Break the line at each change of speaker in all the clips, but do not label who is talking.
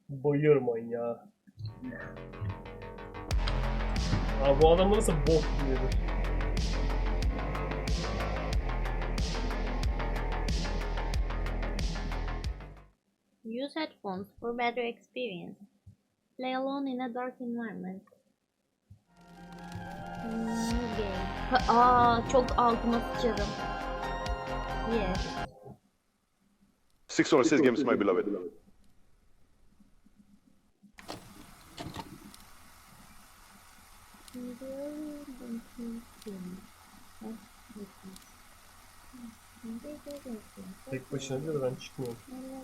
Bayır manyağı. Abi bu adam nasıl bok yiyor?
Use headphones for better experience. Play alone in a dark environment. New game. Çok altıma sıçarım. Yes.
6 or 6 games, my beloved.
Tek başına diyor da ben çıkmıyorum.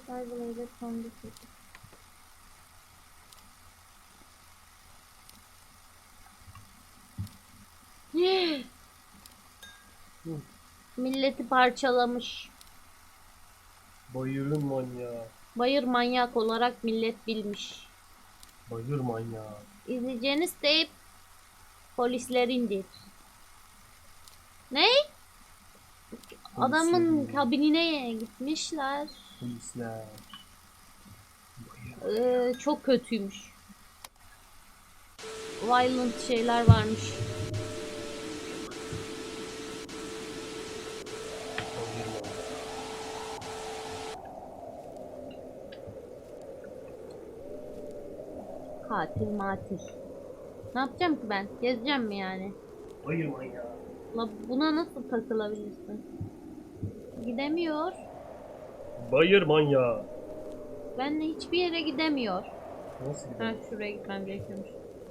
Milleti parçalamış.
Bayırın manyağı.
Bayır manyak olarak millet bilmiş.
Bayır manyağı.
İzleyeceğiniz teyp polislerindir. Ne? Adamın kabinine gitmişler.
Polisler.
Çok kötüymüş. Violent şeyler varmış.
Bayır manyağı.
Katil matil. Ne yapacağım ki ben? Gezeceğim mi yani?
Bayır manyağı.
La buna nasıl takılabilirsin? Gidemiyor.
Bayır manyağı.
Benle hiçbir yere gidemiyor.
Nasıl
Ha,
gidiyor?
şuraya gitmem gerekiyormuş.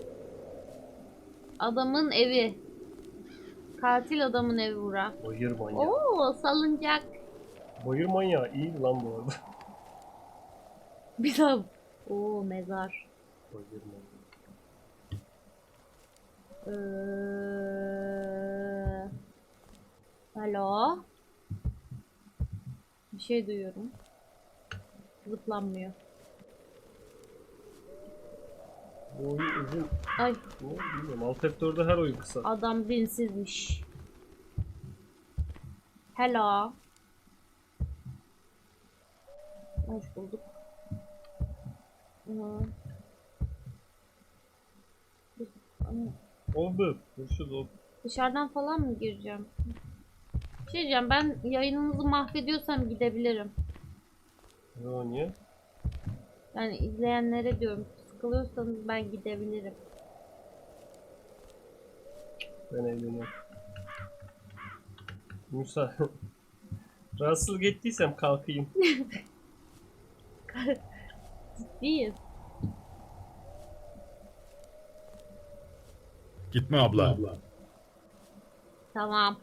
Adamın evi. Katil adamın evi bura.
Bayır manyağı.
Oo, salıncak.
Bayır manyağı iyi lan bu arada.
Bir daha. Oo, mezar.
Bayır manyağı.
Alo. Bir şey duyuyorum. Zıplanmıyor.
Bu oyun uzun.
Ay,
Ne bilmiyorum. Alt F4'de her oyun kısa.
adam dinsizmiş. Hello. Hoş bulduk.
Oldu. Görüşürüz oldu.
Dışarıdan falan mı gireceğim? Bir şey diyeceğim, ben yayınınızı mahvediyorsam gidebilirim.
Ne niye?
Yani izleyenlere diyorum, sıkılıyorsanız ben gidebilirim.
Ben eğleniyorum. Musa. Rahatsızlık ettiysem kalkayım.
Değil.
Gitme abla.
Tamam.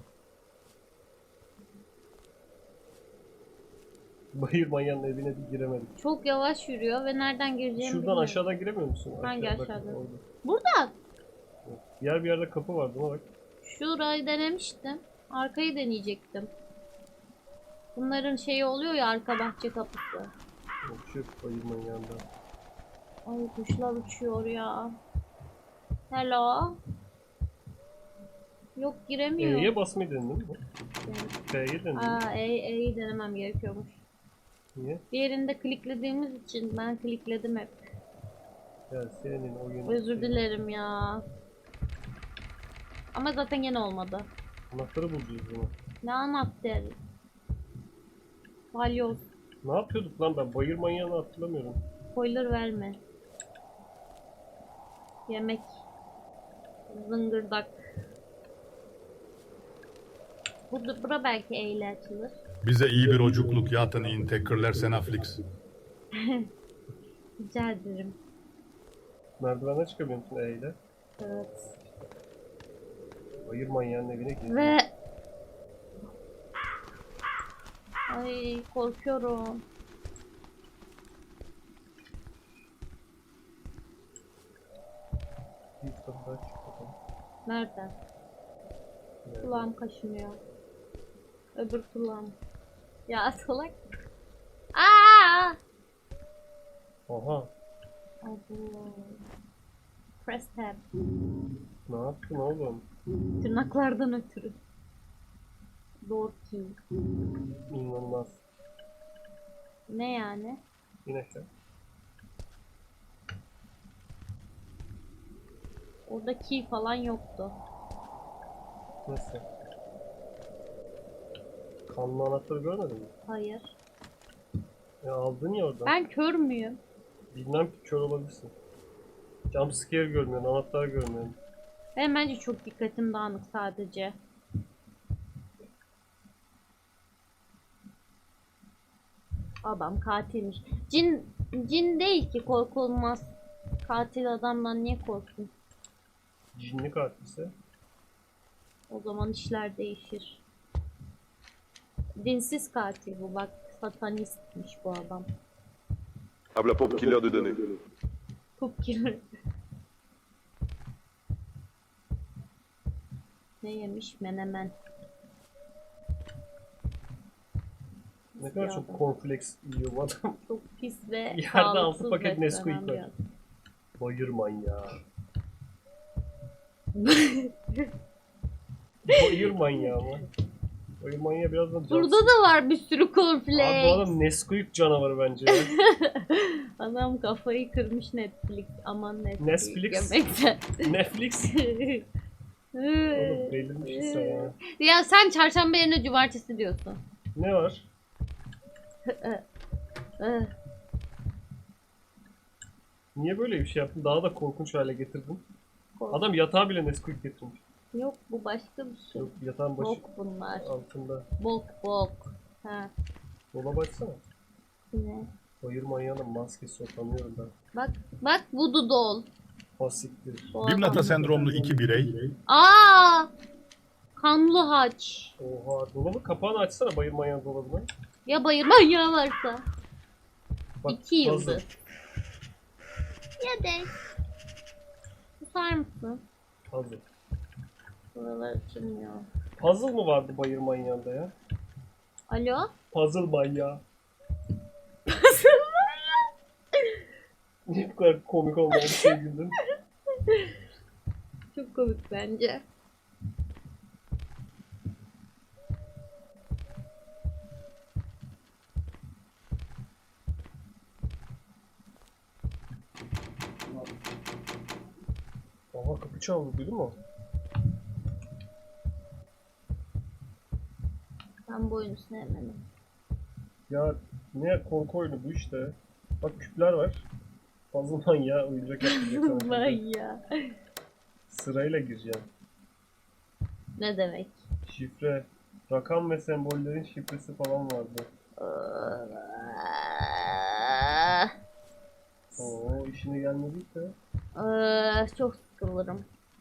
Bayır manyağının evine bir giremedik.
Çok yavaş yürüyor ve nereden gireceğimi
Şuradan
bilmiyorum.
aşağıdan giremiyor musun?
Hangi
Aşağı, bak,
aşağıdan?
orada.
Burada.
Diğer bir yerde kapı vardı ama bak.
Şurayı denemiştim. Arkayı deneyecektim. Bunların şeyi oluyor ya, arka bahçe kapısı.
Şu bayır manyağında.
Ay, kuşlar uçuyor ya. Hello. Yok, giremiyor.
E'ye basmayı denedin mi?
Yani,
F'ye denedin mi?
E'yi denemem gerekiyormuş.
Niye?
Diğerinde kliklediğimiz için ben klikledim hep.
Ya senin oyun...
Özür dilerim ya. Ama zaten yine olmadı.
Anahtarı bulacağız bunu.
Ne anahtarı? Balyoz.
Ne yapıyorduk lan ben? Bayır manyağını hatırlamıyorum.
Spoiler verme. Yemek. Zıngırdak. Bura belki E ile açılır.
Bize iyi bir ocukluk yatın tekrarlar Senaflix.
Rica ederim.
Merdivenden çıkamıyor musun E ile?
Evet.
Bayır manyağının evine gir.
Ve... Ay, korkuyorum.
Bir kapı daha çık bakalım.
Nereden?
Nerede?
Kulağım kaşınıyor. Öbür kulağım. Ya salak. Aa!
Oha.
Allah. Press tab.
Ne yaptın oğlum?
Tırnaklardan ötürü. Door key.
İnanılmaz.
Ne yani?
İn aşağı.
Orada key falan yoktu.
Nasıl? Kanlı anahtarı görmedin mi?
Hayır.
Ya aldın ya oradan.
Ben kör müyüm?
Bilmem ki kör olabilirsin. Jumpscare görmüyorsun, anahtar görmüyorsun.
Benim bence çok dikkatim dağınık sadece. Adam katilmiş. Cin değil ki, korkulmaz. Katil adamdan niye korksun?
Cinli katilse.
O zaman işler değişir. Dinsiz katil bu, bak satanistmiş bu adam.
Habla pop killer de données.
Top killer. Ne yemiş? Menemen.
Ne kadar çok cornflakes yiyor bu adam.
Çok pis ve
Yerde
sağlıksız
6 paket Nesquik
beslenen bir
var. Bayırman ya. Bayırman ya ama. Bayırman ya birazdan
Burada da var bir sürü
Abi bu
cornflakes.
adam Nesquik canavarı bence ya.
Adam kafayı kırmış Netflix. Aman Netflix.
Netflix.
Yemekten.
Netflix. Oğlum delirmişsin sen ya.
Ya sen çarşamba yerine cumartesi diyorsun.
Ne var? Niye böyle bir şey yaptın? Daha da korkunç hale getirdin. Adam yatağa bile Nesquik getirmiş.
Yok, bu başka bir şey.
Yok yatağın başı
Bok bunlar.
altında.
Bok. Ha.
Dolaba açsana.
Ne?
Bayır manyağının maskesi o, tanıyorum ben.
Bak voodoo doll.
Pasiktir.
Bu
Bimnata
adam.
sendromlu iki birey
Aa! Kanlı haç.
Oha, dolabı kapağını açsana bayır manyağın dolabını.
Ya bayır manyağı varsa.
Bak,
2
puzzle.
yıldır. Ya de. Susar mısın?
Puzzle.
Buralar açılmıyor.
Puzzle mı vardı bayır manyağında ya?
Alo?
Puzzle manyağı. Niye bu kadar komik olmayan bir şey güldün?
Çok komik bence.
Aha, kapı çaldı, duydun mu?
Ben bu oyunu sevmedim.
Ya ne korku oyunu bu işte. Bak küpler var. Puzzle manyağı oyuncak yapacak sana.
Manyağı.
Sırayla gireceğim.
Ne demek?
Şifre. Rakam ve sembollerin şifresi falan vardı. Oo, işine gelmediyse.
Çok sıkılırım.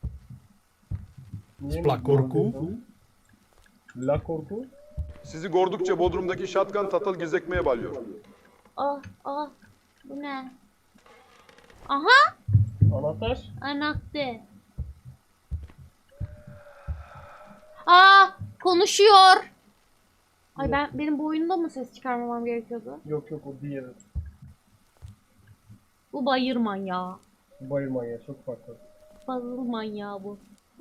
Niye
La korku.
La korku.
Sizi gördükçe Bodrum'daki şatkan tatal gezekmeye balıyor.
Ah, bu ne? Aha,
Anahtar.
anahtar. Konuşuyor. Ay, benim bu oyunda mı ses çıkarmamam gerekiyordu?
Yok o diğeri.
Bu bayır manyağı.
Bayır manyağı çok farklı.
Puzzle manyağı bu.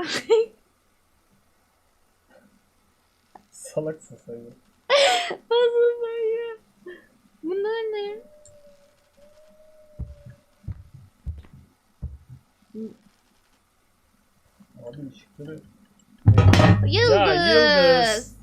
Salaksın sen ya.
Puzzle manyağı. Bunlar ne?
Abi ışıkları.
Yıldız.
Ya, yıldız.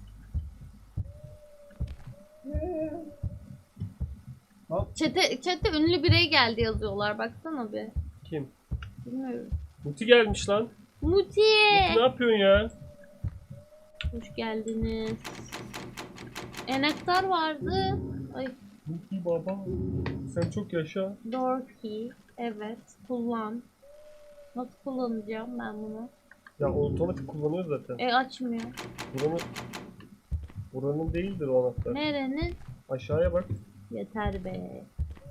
Chat'e ünlü birey geldi yazıyorlar. Baksana bir.
Kim?
Bilmiyorum.
Muti gelmiş lan.
Muti.
Muti ne yapıyorsun ya?
Hoş geldiniz. Enektar vardı. Ay,
Muti baba. Sen çok yaşa.
door key. Evet, kullan. Nasıl kullanacağım ben bunu?
Ya otomatik kullanıyor zaten.
Açmıyor.
Buranın değildir o anahtar.
Nerenin?
Aşağıya bak.
Yeter be.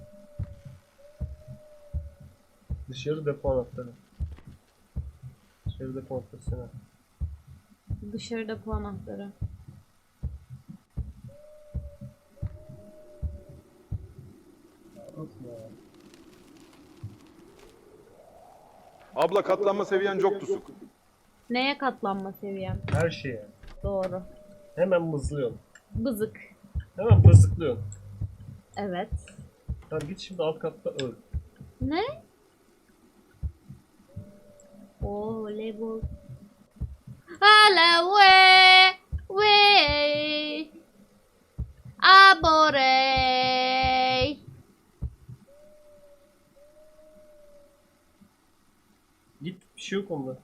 Dışarı depo anahtarı. Dışarı depo anahtarı sana.
Dışarıda bu anahtarı.
Nasıl ya?
Abla katlanma seviyen çok düşük.
Neye katlanma seviyem?
Her şeye.
Doğru.
Hemen mızlıyorsun.
Bızık.
Hemen bızıklıyorsun.
Evet.
Tamam git şimdi alt katta öl.
Ne? Voleybol. Hala we abore.
Git, bir şey yok onda.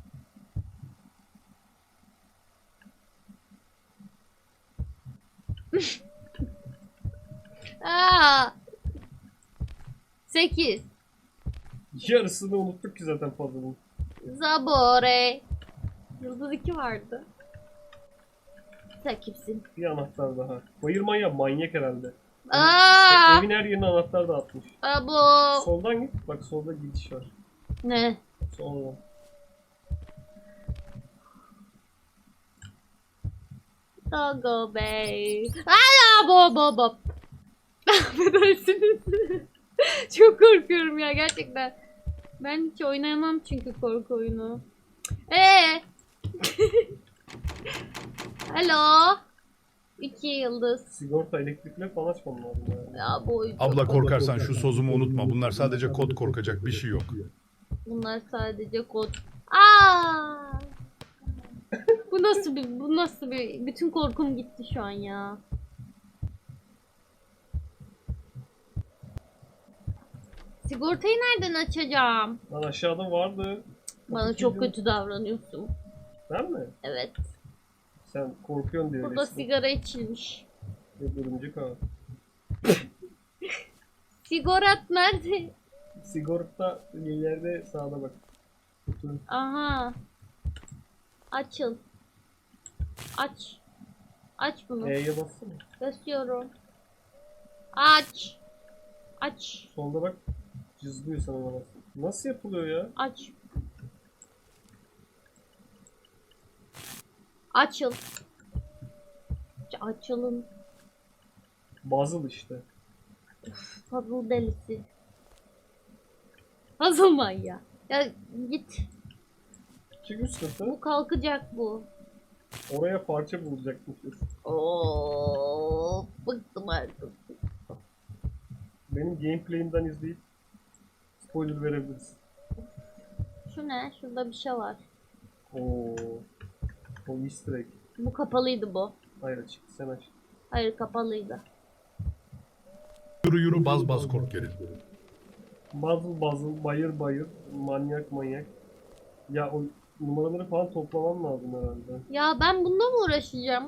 Aa. 8.
Yarısını unuttuk ki zaten fazlalığın.
Zabore. Yıldız 2 vardı. Sen kimsin?
Bir anahtar daha. Bayırman ya, manyak herhalde.
Aa.
Evin her yerine anahtar dağıtmış.
Abo.
Soldan git. Bak solda gidiş var.
Ne?
Soldan.
Doggo Bey. Aa, bo. Affedersiniz. Çok korkuyorum ya gerçekten. Ben hiç oynayamam çünkü korku oyunu. Alo. 2 yıldız.
Sigorta, elektrikle falan açmam lazım yani.
Ya bu
Abla korkarsan şu sozumu unutma. Bunlar sadece kod, korkacak bir şey yok.
bunlar sadece kod. Aa! Bu nasıl bir bütün korkum gitti şu an ya. Sigortayı nereden açacağım?
Lan aşağıda vardı.
Bana çok kötü davranıyorsun.
Ben mi?
Evet.
Sen korkuyorsun diye
Burada
öylesin.
sigara içilmiş.
Yok, örümcek ağı.
Sigarat nerede?
Sigorta ileride sağda bak. Kutu.
Aha. Açıl. Aç. Aç bunu.
E'ye bassana.
Basıyorum. Aç. Aç.
Solda bak. Cızlıyor sana bana. Nasıl yapılıyor ya?
Aç. Açıl. Açılın.
Puzzle işte.
Puzzle delisi. Puzzle manyağı. Ya git.
Çık üst kata.
Bu kalkacak bu.
Oraya parça bulacakmışız.
Oo, bıktım artık.
Benim gameplay'imden izleyip spoiler verebiliriz.
Şu ne? Şurada bir şey var.
Oo. O easter egg.
Bu kapalıydı bu.
Hayır, açık. Sen aç.
Hayır kapalıydı.
Yürü yürü baz baz kork geri.
Puzzle, bayır bayır, manyak. Ya o numaraları falan toplamam lazım herhalde.
Ya ben bununla mı uğraşacağım?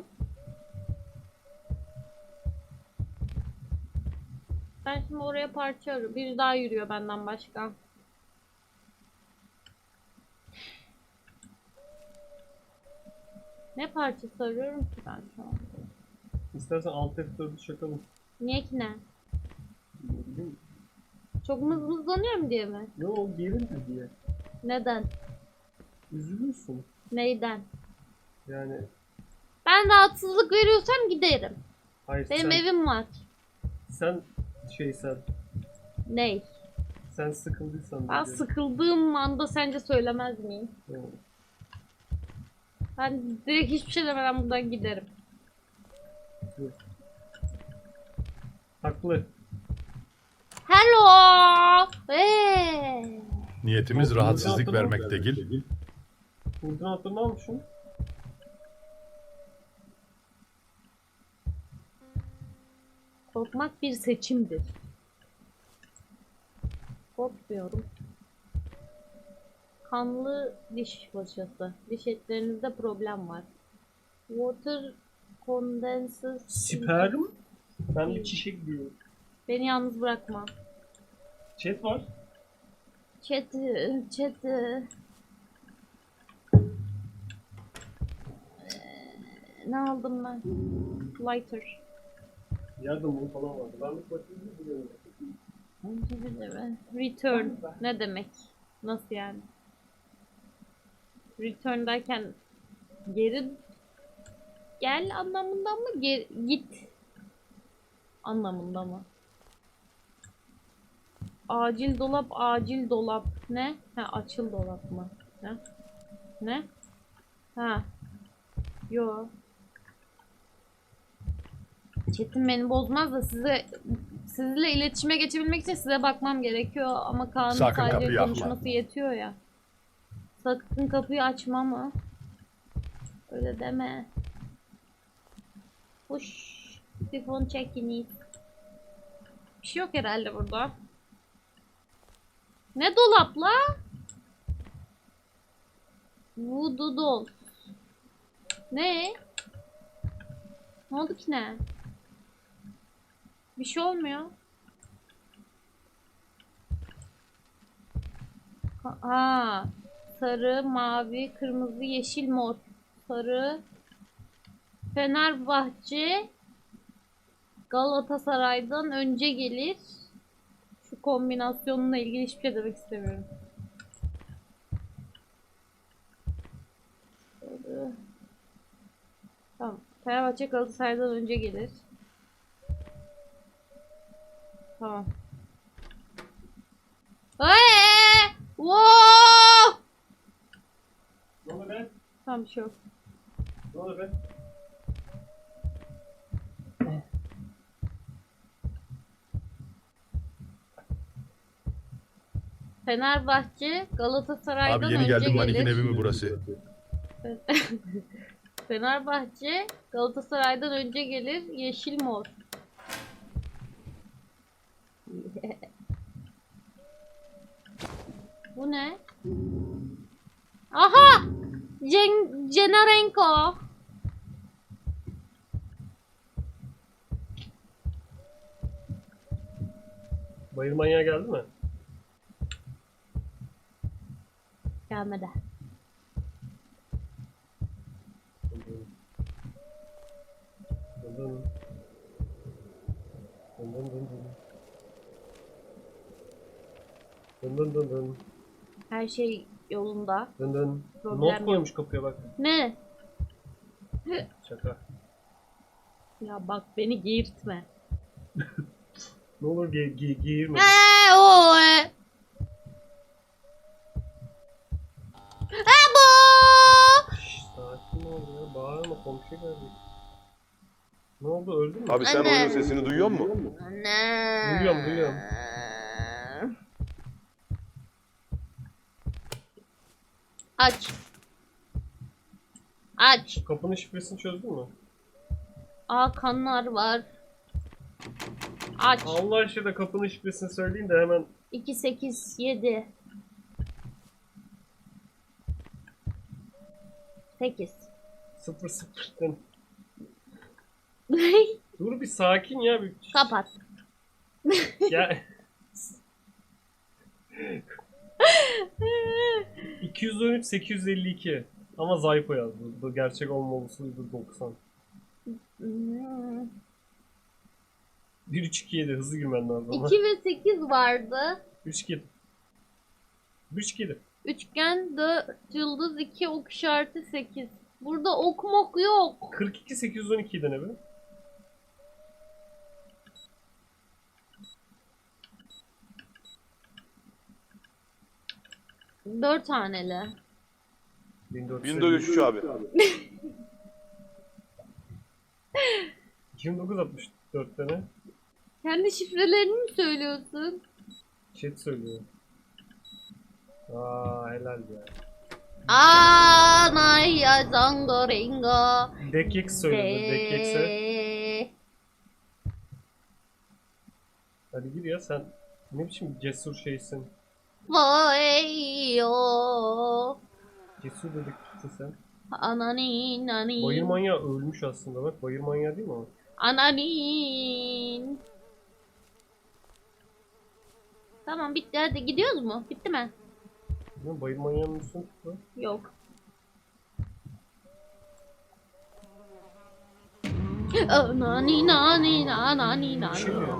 Ben şimdi oraya parça arıyorum. Biri daha yürüyor benden başka. Ne parçası arıyorum ki ben şu an?
İstersen Alt F4'ü çakalım.
Niye ki ne?
Ne bileyim.
Çok mızmızlanıyorum diye mi?
Ne o gerildi diye.
Neden?
Üzülürsün.
Neyden?
Yani
Ben rahatsızlık veriyorsam giderim.
hayır
Benim
sen,
evim var.
sen
Ney?
sen sıkıldıysan
Ben
diye.
sıkıldığım anda sence söylemez miyim?
Yani.
Ben direkt hiçbir şey demeden buradan giderim.
Haklı.
Hello!
Niyetimiz rahatsızlık vermek değil.
Koordinatlarını almışım.
Korkmak bir seçimdir. Korkmuyorum. Kanlı diş fırçası. Diş etlerinizde problem var. Water condenses.
Sperm. Ben bir çiçek diyorum.
Beni yalnız bırakma.
Chat var.
Chat. Ne aldım ben? Lighter.
Yardım falan vardı. Ben bir bakayım biliyorum.
Return. Ne demek? Nasıl yani? Return derken geri gel anlamında mı? Git anlamında mı? Acil dolap. Ne? Ha, açıl dolap mı? Ne? Ha. Yo. Chat'im beni bozmaz da sizinle iletişime geçebilmek için size bakmam gerekiyor ama Kaan'ın
Sakın
sadece
kapıyı yakma.
konuşması yetiyor ya. Sakın kapıyı açma mı? Öyle deme. Hoş. Sifon çekiniz. Bir şey yok herhalde burada. Ne dolapla? Voodoo doll. Ne? Ne oldu ki ne? Bir şey olmuyor. Ha, sarı, mavi, kırmızı, yeşil, mor. Sarı. Fenerbahçe Galatasaray'dan önce gelir. Şu kombinasyonla ilgili hiçbir şey demek istemiyorum. Sarı. Tamam. Fenerbahçe Galatasaray'dan önce gelir. Tamam. Wow!
Ne oldu be?
Tamam bir şey yok.
Ne oldu be?
Fenerbahçe Galatasaray'dan
Abi yeni
önce
geldim, manikin
gelir.
evi mi burası?
Fenerbahçe Galatasaray'dan önce gelir. Yeşil mor. Bu ne? Aha! Cenarenko.
Bayır manyağı geldi mi?
Gelmedi.
Dın dın. Dın dın dın dın. Dın dın dın dın.
Her şey yolunda.
Dın dın.
Problem
Not
yok.
koymuş kapıya bak.
Ne?
Şaka.
Ya bak beni geğirtme.
Ne olur giyirme.
O. Bu.
Şşş, sakin ol ya. Bağırma, komşu geldi. Ne oldu, öldün mü?
Abi sen
Anne.
oyunun sesini duyuyor musun?
Anne.
Duyuyorum.
Aç. Aç.
Kapının şifresini çözdün mü?
Aa kanlar var. Aç.
Allah aşkına kapının şifresini söyleyin de hemen
2 8 7 8.
0-0'dan. Dur bir sakin ya. Bir...
Kapat.
Ya. 213 852 ama Zaypo yazdı. Bu gerçek olmalısıydı 90. 1-3-2-7 hızlı girmen lazım ama.
2 ve 8 vardı.
3-2-7. 3-2-7.
Üçgen 4 yıldız 2 ok işareti 8. Burada ok mok yok.
42 812 ne be?
Dört taneli.
1403 abi.
2964 tane.
Kendi şifrelerini mi söylüyorsun?
Chat söylüyor. Aa helal ya.
Anaya zangoringo.
Dekix söyledi. Dekix'e. Hadi gir ya sen. Ne biçim cesur şeysin.
Voyo.
Cesur dedektifsin sen.
Ananin nanin.
Bayır manyağı ölmüş aslında bak. Bayır manyağı değil mi o?
Ananin. Tamam bitti hadi gidiyoruz mu? Bitti mi?
Bilmiyorum, bayır manyağının üstüne tuttu.
Yok. Ananin nanin ananin
Bir şey mi
nanin.
ya?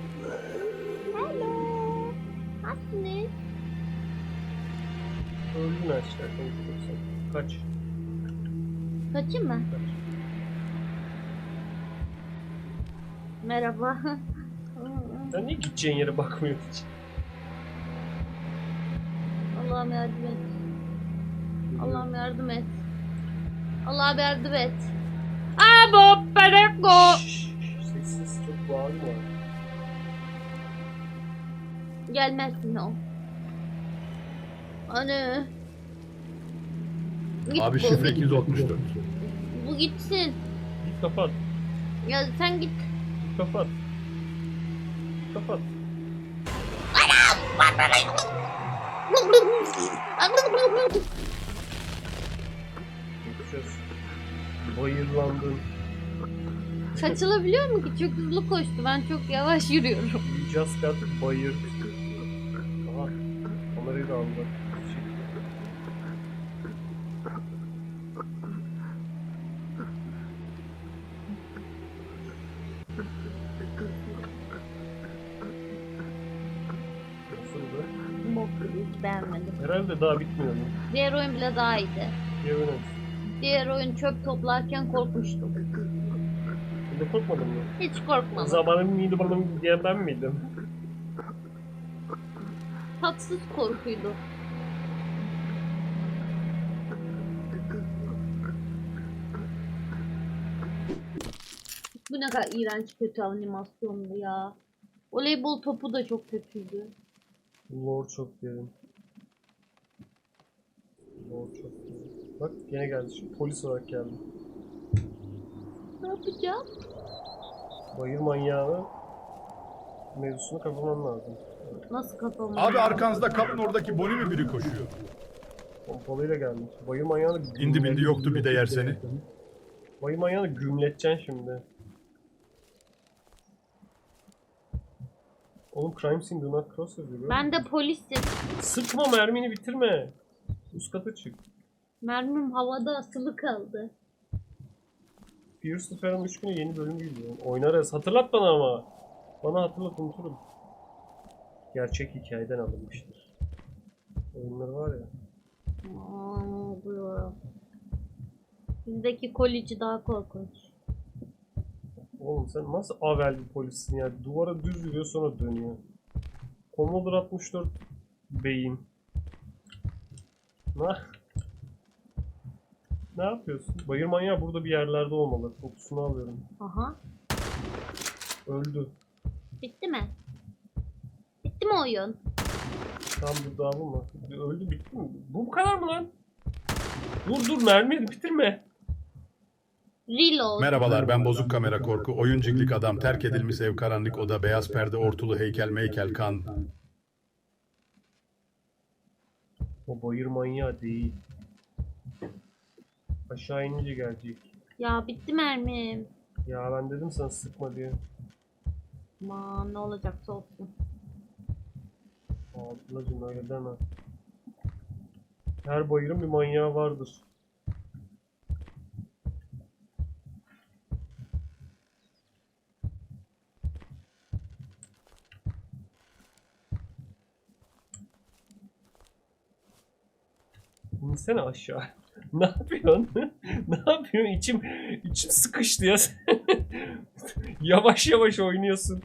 Hello. Nasılsınız?
Öldün aşağı konuşuyorsun. Kaç.
Kaçayım mı?
Kaç.
Merhaba.
Sen niye gideceğin yere bakmıyorsun hiç?
Allah'ım yardım et. Allah'ım yardım et. Allah'ım yardım et. Abo pereko.
Şşş, sessiz çok bağırma.
Gelmezsin o. Anne. Git
Abi
bu,
şifre
git.
264.
Bu gitsin.
Git kapat.
Ya sen git.
Git kapat. Kapat. Ses. Bayırlandın.
Kaçılabiliyor mu ki? Çok hızlı koştu. Ben çok yavaş yürüyorum.
You just got bayır. Aha. Kamerayı da aldı. Nasıldı?
Bok gibi, beğenmedim.
Herhalde daha bitmiyor mu?
Diğer oyun bile daha iyiydi.
Yemin
Diğer oyun çöp toplarken korkmuştum.
Şimdi korkmadın mı?
Hiç
O
korkmadım.
zamanın miydi bana diyen ben miydim?
Tatsız korkuydu. Bu ne kadar iğrenç kötü animasyondu ya. Voleybol topu da çok kötüydü.
Lord çok derin. Lord çok derin. Bak gene geldi. Şimdi polis olarak geldi.
Ne yapacağım?
Bayır manyağını mevzusunu kapamam lazım.
Nasıl kafamı?
Abi arkanızda kapın oradaki Bonnie mi biri koşuyor?
Pompalıyla gelmiş. Bayır manyağını
İndi bindi yoktu bir de yer seni.
Bayır manyağını gümleteceksin şimdi. Oğlum crime scene do not cross yazıyor.
Ben de polisim.
Sıkma, mermini bitirme. Üst kata çık.
Mermim havada asılı kaldı.
Fierce the Phantom 3 günü yeni bölüm geliyor. Oynarız. Hatırlat bana ama. Bana hatırlat, unuturum. Gerçek hikayeden alınmıştır. Oyunlar var ya.
Aa, ne oluyor? Bizdeki kolici daha korkunç.
Oğlum sen nasıl avel bir polissin ya? Duvara düz yürüyor sonra dönüyor. Commodore 64 beyin. Ne yapıyorsun? Bayır manyağı burada bir yerlerde olmalı. Kokusunu alıyorum.
Aha.
Öldü.
Bitti mi? Bitti mi oyun?
Tam burada mı? Öldü, bitti mi? Bu kadar mı lan? Dur mermi bitirme.
Reload.
Merhabalar, ben Bozuk Kamera Korku. Oyunciklik adam, terk edilmiş ev, karanlık oda, beyaz perde, ortulu heykel, meykel, kan.
O bayır manyağı değil. Aşağı inince gelecek.
Ya bitti mermim.
Ya ben dedim sana sıkma diye.
Aman ne olacaksa olsun.
Ablacım öyle deme. Her bayırın bir manyağı vardır. İnsene aşağı. Ne yapıyorsun? Ne yapıyorsun? İçim sıkıştı ya. Yavaş yavaş oynuyorsun.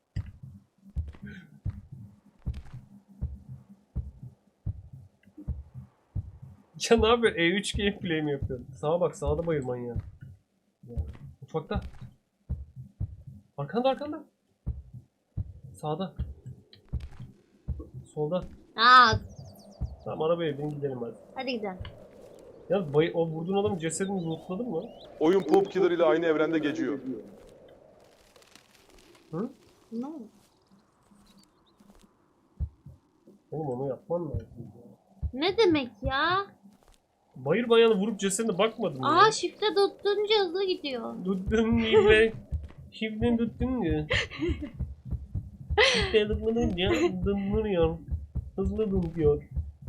Ya ne yapıyorsun? E3 gameplay mi yapıyorsun? Sağa bak, sağda bayır manyağı. Ya, mutfakta. Arkanda. Sağda. Solda.
Aa,
Tamam, arabaya bin gidelim hadi.
hadi gidelim.
Ya o vurduğun adamın cesedini lootladın mı?
Oyun Poop Killer ile aynı evrende geçiyor.
Hı?
Ne oldu?
Oğlum onu yapman lazım ya.
Ne demek ya?
Bayır bayanı vurup cesedine bakmadın mı
Aa,
ya?
shift'e tuttunca hızlı gidiyor.
Tuttun mu be? Şimdi tuttun mu? Shift'e tıkladınca dınlanıyor. Hızlı dınlıyor.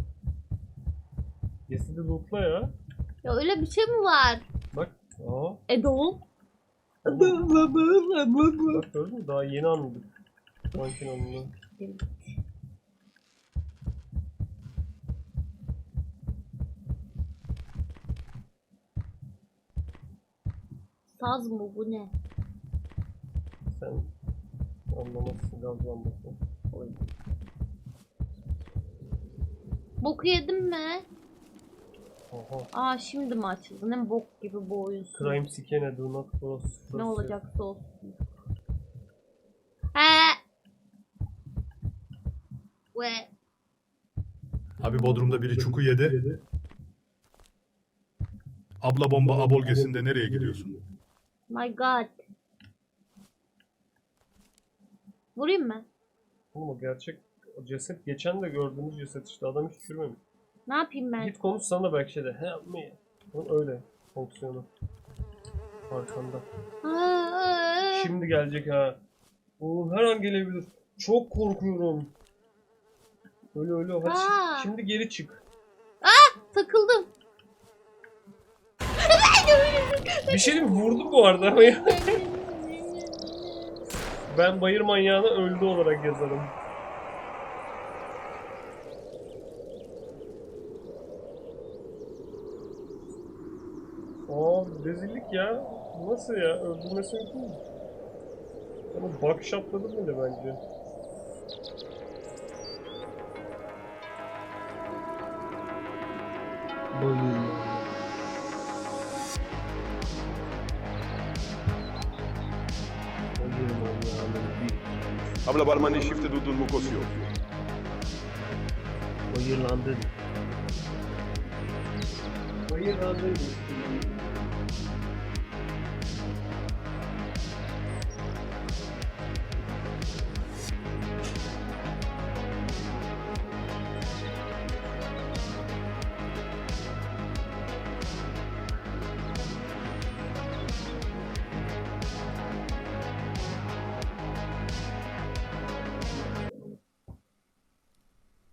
Cesedi lootla ya.
Ya öyle bir şey mi var?
Bak. Aa.
Edo.
Bak gördün mü? Daha yeni anladık. Manken anladı.
Saz mı bu ne?
Sen anlamazsın gazlanmasın. Oy.
Boku yedim mi?
Oha.
Aa, şimdi mi açıldı? Ne bok gibi bu oyun.
Crime Scene do not cross.
Ne olacaksa olsun. He. Ve
Abi Bodrum'da biri çuku yedi. Abla bomba abolgesinde nereye gidiyorsun?
My God. Vurayım mı?
Oğlum o gerçek o ceset geçen de gördüğümüz ceset işte adam hiç çürümemiş.
Ne yapayım ben?
Git konuş sana da belki şey de help me. Onun öyle fonksiyonu. Arkanda.
Aa,
Şimdi gelecek ha. Oğlum her an gelebilir. Çok korkuyorum. Öyle hadi
Aa.
şimdi geri çık.
takıldım.
Bir şey diyeyim mi? Vurdum bu arada ama ya. Ben bayır manyağına öldü olarak yazarım. Aa rezillik ya. Nasıl ya? Öldürmesi mümkün mü? Ama bakış atladım bile bence. Bayır.
Habla barman y shifte dudun mukosio.
Bayırlandın. Bayırlandın.